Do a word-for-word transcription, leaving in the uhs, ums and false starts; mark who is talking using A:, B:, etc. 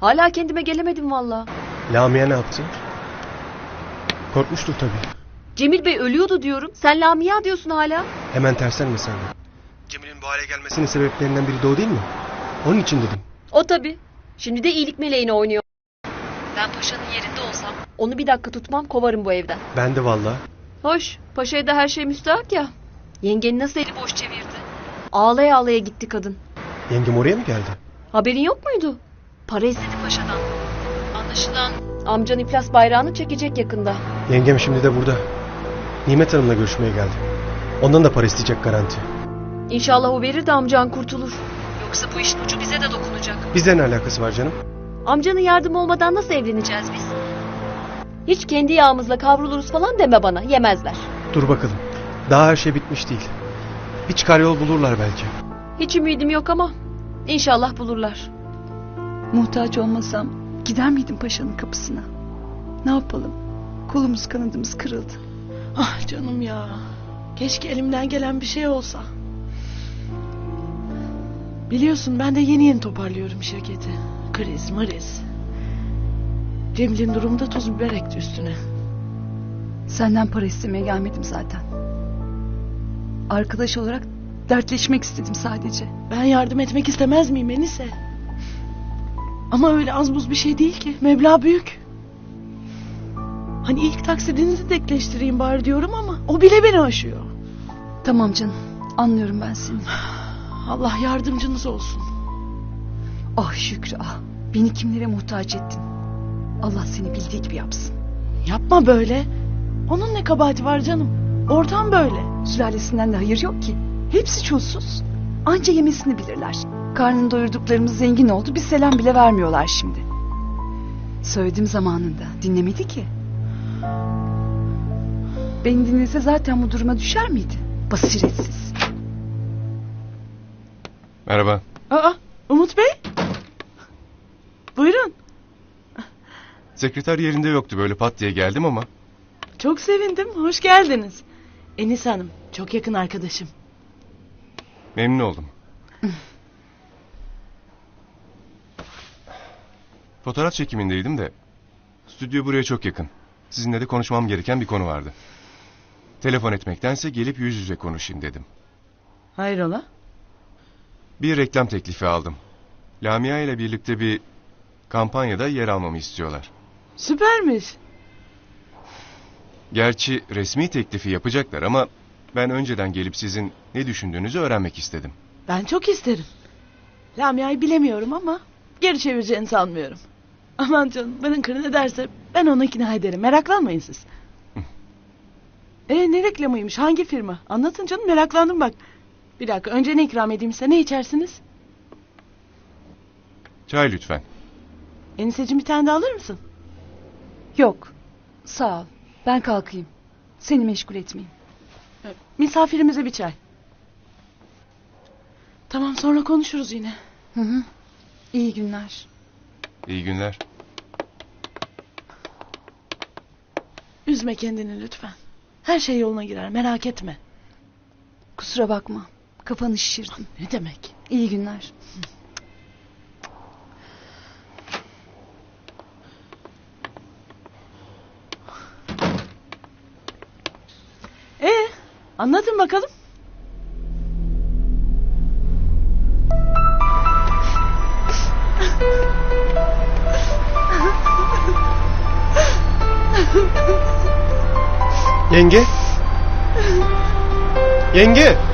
A: Hala kendime gelemedim valla.
B: Lamia ne yaptı? Korkmuştur tabii.
A: Cemil Bey ölüyordu diyorum. Sen Lamia diyorsun hala.
B: Hemen terslenme sen de. Cemil'in bu hale gelmesinin sebeplerinden biri de o değil mi? Onun için dedim.
A: O tabii. Şimdi de iyilik meleğini oynuyor. Ben paşanın yerinde olsam onu bir dakika tutmam, kovarım bu evden.
B: Ben de valla.
A: Hoş, paşaya da her şey müstahak ya. Yengeni nasıl eli boş çevirdi? Ağlaya ağlaya gitti kadın.
B: Yengem oraya mı geldi?
A: Haberin yok muydu? Para istedi paşadan. Anlaşılan amcan iflas bayrağını çekecek yakında.
B: Yengem şimdi de burada. Nimet Hanım'la görüşmeye geldi. Ondan da para isteyecek garanti.
A: İnşallah o verir de amcan kurtulur. Yoksa bu işin ucu bize de dokunacak.
B: Bize ne alakası var canım?
A: Amcanın yardımı olmadan nasıl evleneceğiz biz? Hiç kendi yağımızla kavruluruz falan deme bana, yemezler.
B: Dur bakalım. Daha her şey bitmiş değil. Bir çıkar yol bulurlar belki.
A: Hiç ümidim yok ama inşallah bulurlar.
C: Muhtaç olmasam gider miydim paşanın kapısına? Ne yapalım? Kolumuz kanadımız kırıldı.
D: Ah canım ya. Keşke elimden gelen bir şey olsa. Biliyorsun ben de yeni yeni toparlıyorum şirketi. Kriz mriz. Cemil'in durumda tuz biber ekti üstüne.
C: Senden para istemeye gelmedim zaten. Arkadaş olarak dertleşmek istedim sadece.
D: Ben yardım etmek istemez miyim Enise? Ama öyle az buz bir şey değil ki. Meblağ büyük. Hani ilk taksidinizi denkleştireyim bari diyorum ama o bile beni aşıyor.
C: Tamam canım, anlıyorum ben seni.
D: Allah yardımcınız olsun.
C: Ah Şükrü ah, beni kimlere muhtaç ettin. Allah seni bildiği gibi yapsın.
D: Yapma böyle. Onun ne kabahati var canım? Ortam böyle.
C: Sülalesinden de hayır yok ki. Hepsi çulsuz. Anca yemesini bilirler. Karnını doyurduklarımız zengin oldu. Bir selam bile vermiyorlar şimdi. Söyledim zamanında. Dinlemedi ki. Beni dinlese zaten bu duruma düşer miydi? Basiretsiz.
E: Merhaba.
D: Aa, Umut Bey. Buyurun.
E: Sekreter yerinde yoktu, böyle pat diye geldim ama.
D: Çok sevindim. Hoş geldiniz. Enis Hanım. Çok yakın arkadaşım.
E: Memnun oldum. Fotoğraf çekimindeydim de. Stüdyo buraya çok yakın. Sizinle de konuşmam gereken bir konu vardı. Telefon etmektense gelip yüz yüze konuşayım dedim.
D: Hayrola?
E: Bir reklam teklifi aldım. Lamia ile birlikte bir kampanyada yer almamı istiyorlar.
D: Süpermiş.
E: Gerçi resmi teklifi yapacaklar ama ben önceden gelip sizin ne düşündüğünüzü öğrenmek istedim.
D: Ben çok isterim. Lamia'yı bilemiyorum ama geri çevireceğini sanmıyorum. Aman canım, bana kırın ederse ben onu ikna ederim. Meraklanmayın siz. E ne reklamıymış? Hangi firma? Anlatın canım, meraklandım bak. Bir dakika, önce ne ikram edeyim size? Ne içersiniz?
E: Çay lütfen.
D: Eniseciğim, bir tane de alır mısın?
C: Yok. Sağ ol. Ben kalkayım. Seni meşgul etmeyeyim.
D: Misafirimize bir çay. Tamam, sonra konuşuruz yine.
C: Hı hı. İyi günler.
E: İyi günler.
D: Üzme kendini lütfen. Her şey yoluna girer, merak etme.
C: Kusura bakma. Kafanı şişirdim.
D: Ne demek?
C: İyi günler.
D: Ee, anlatın bakalım.
B: Yenge? Yenge!